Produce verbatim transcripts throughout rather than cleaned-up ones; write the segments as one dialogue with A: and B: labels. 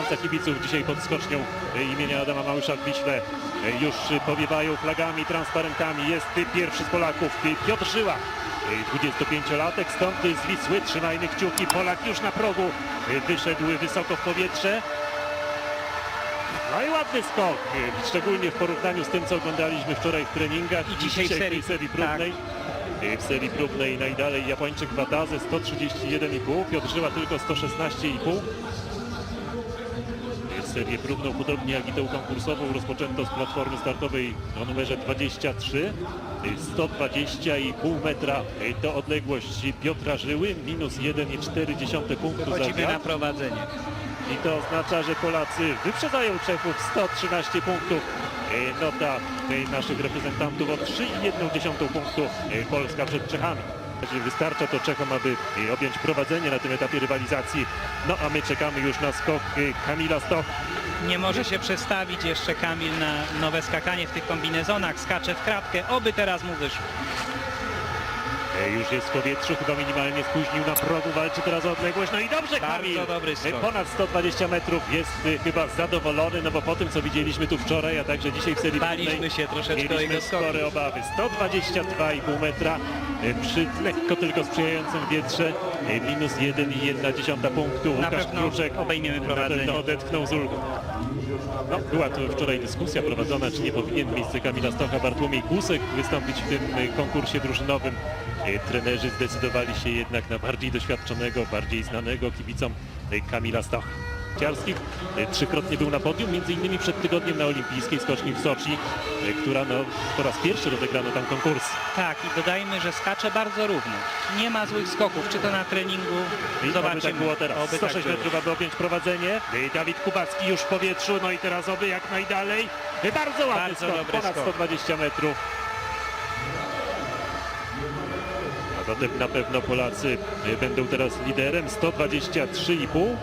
A: tysiąca kibiców dzisiaj pod skocznią imienia Adama Małysza w Wiśle. Już powiewają flagami, transparentami. Jest pierwszy z Polaków, Piotr Żyła, dwudziestopięciolatek, stąd z Wisły. Trzymajmy kciuki. Polak już na progu wyszedł wysoko w powietrze. No i ładny skok, szczególnie w porównaniu z tym, co oglądaliśmy wczoraj w treningach
B: i dzisiaj w serii,
A: w serii próbnej. Tak. W serii próbnej najdalej Japończyk Wataze sto trzydzieści jeden i pół, Piotr Żyła tylko sto szesnaście i pół. Serię próbną, podobnie jak i tę konkursową, rozpoczęto z platformy startowej o numerze dwadzieścia trzy. sto dwadzieścia i pół metra to odległość Piotra Żyły, minus jeden i cztery dziesiąte punktu za
B: Chodzimy
A: wiatr.
B: na prowadzenie.
A: I to oznacza, że Polacy wyprzedzają Czechów sto trzynaście punktów. Nota naszych reprezentantów o trzy i jedną dziesiątą punktu. Polska przed Czechami. Wystarcza to Czechom, aby objąć prowadzenie na tym etapie rywalizacji. No a my czekamy już na skok Kamila Stoch.
B: Nie może się przestawić jeszcze Kamil na nowe skakanie w tych kombinezonach. Skacze w kratkę, oby teraz mu wyszło.
A: Już jest w powietrzu, chyba minimalnie spóźnił na progu, walczy teraz o odległość. No i dobrze, Kamil!
B: Bardzo dobry skok.
A: Ponad sto dwadzieścia metrów, jest chyba zadowolony, no bo po tym, co widzieliśmy tu wczoraj, a także dzisiaj w serii
B: Baliśmy się troszeczkę o
A: mieliśmy
B: jego skoki.
A: spore obawy. sto dwadzieścia dwa i pół metra przy lekko tylko sprzyjającym wietrze, minus jeden i jedna dziesiąta punktu.
B: Na
A: Łukasz
B: pewno
A: Kruczek
B: obejmiemy prowadzenie.
A: na pewno odetchnął z ulgą. No, była tu wczoraj dyskusja prowadzona, czy nie powinien w miejsce Kamila Stocha Bartłomiej Kłusek wystąpić w tym konkursie drużynowym. Trenerzy zdecydowali się jednak na bardziej doświadczonego, bardziej znanego kibicom Kamila Stocha. Ciarskich trzykrotnie był na podium, między innymi przed tygodniem na olimpijskiej skoczni w Soczi, która no, po raz pierwszy rozegrano tam konkurs.
B: Tak, i dodajmy, że skacze bardzo równo. Nie ma złych skoków, czy to na treningu.
A: I
B: Zobaczymy.
A: oby tak było teraz.
B: Oby
A: sto
B: tak
A: sześć
B: było.
A: metrów, aby objąć prowadzenie. Dawid Kubacki już w powietrzu, no i teraz oby jak najdalej. Bardzo ładny
B: Bardzo
A: skok,
B: dobry
A: ponad
B: skok.
A: sto dwadzieścia metrów. A zatem na pewno Polacy będą teraz liderem, sto dwadzieścia trzy i pół.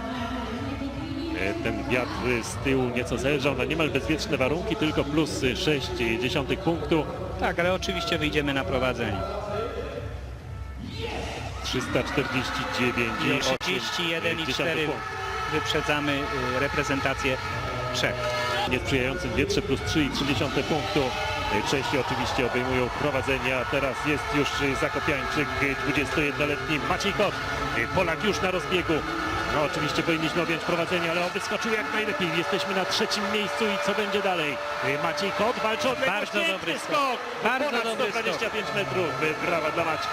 A: Ten wiatr z tyłu nieco zelżał na niemal bezwieczne warunki, tylko plus sześć dziesiątych punktu.
B: Tak, ale oczywiście wyjdziemy na prowadzenie.
A: trzysta czterdzieści dziewięć
B: I
A: i
B: o trzydzieści jeden i cztery
A: punkt.
B: wyprzedzamy y, reprezentację Czech.
A: W niesprzyjającym wietrze plus trzy i trzy dziesiąte punktu. Czesi oczywiście obejmują prowadzenie, a teraz jest już zakopiańczyk dwudziestojednoletni Maciej Kot. Polak już na rozbiegu. No oczywiście powinniśmy objąć prowadzenie, ale oby skoczył jak najlepiej. Jesteśmy na trzecim miejscu i co będzie dalej? Maciej Kot walczy o odległość.
B: Bardzo dobry
A: skok.
B: skok. Bardzo
A: Ponad
B: dobry
A: sto dwadzieścia pięć metrów. Brawa dla Maćka.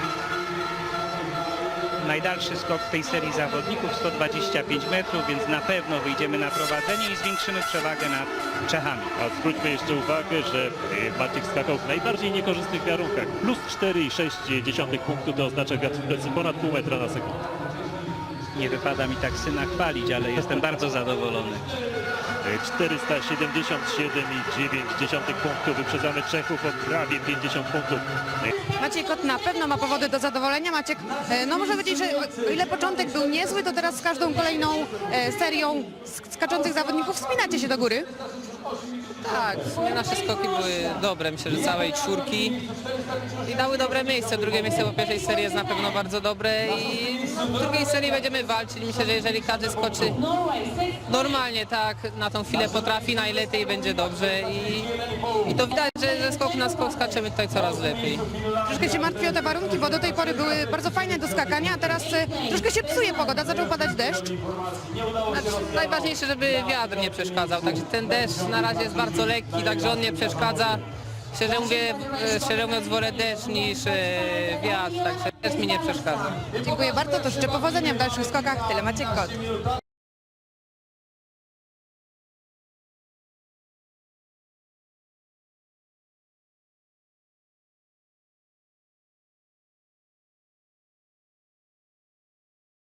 B: Najdalszy skok w tej serii zawodników sto dwadzieścia pięć metrów, więc na pewno wyjdziemy na prowadzenie i zwiększymy przewagę nad Czechami.
A: A zwróćmy jeszcze uwagę, że Maciek skakał w najbardziej niekorzystnych warunkach. Plus cztery i sześć dziesiątych punktu to oznacza wiatr w plecy ponad pół metra na sekundę.
B: Nie wypada mi tak syna chwalić, ale jestem bardzo zadowolony.
A: czterysta siedemdziesiąt siedem i dziewięć dziesiątych punktu. Wyprzedzamy Czechów o prawie pięćdziesiąt punktów.
C: Maciej Kot na pewno ma powody do zadowolenia. Maciek, e, no można powiedzieć, że o ile początek był niezły, to teraz z każdą kolejną e, serią sk- skaczących zawodników wspinacie się do góry.
D: Tak, w sumie nasze skoki były dobre, myślę, że całej czwórki i dały dobre miejsce. Drugie miejsce po pierwszej serii jest na pewno bardzo dobre i w drugiej serii będziemy walczyć. Myślę, że jeżeli każdy skoczy normalnie, tak, na tą chwilę potrafi, najlepiej będzie dobrze i, i to widać, że ze skoku na skok skaczemy tutaj coraz lepiej.
C: Troszkę się martwi o te warunki, bo do tej pory były bardzo fajne do skakania, a teraz e, troszkę się psuje pogoda, zaczął padać deszcz.
D: Znaczy, najważniejsze, żeby wiatr nie przeszkadzał, także ten deszcz na razie jest bardzo lekki, także on nie przeszkadza. Szczerze, mówię, e, szczerze mówiąc, wolę deszcz niż e, wiatr, także deszcz mi nie przeszkadza.
C: Dziękuję bardzo, to życzę powodzenia w dalszych skokach. Tyle Maciek Kot.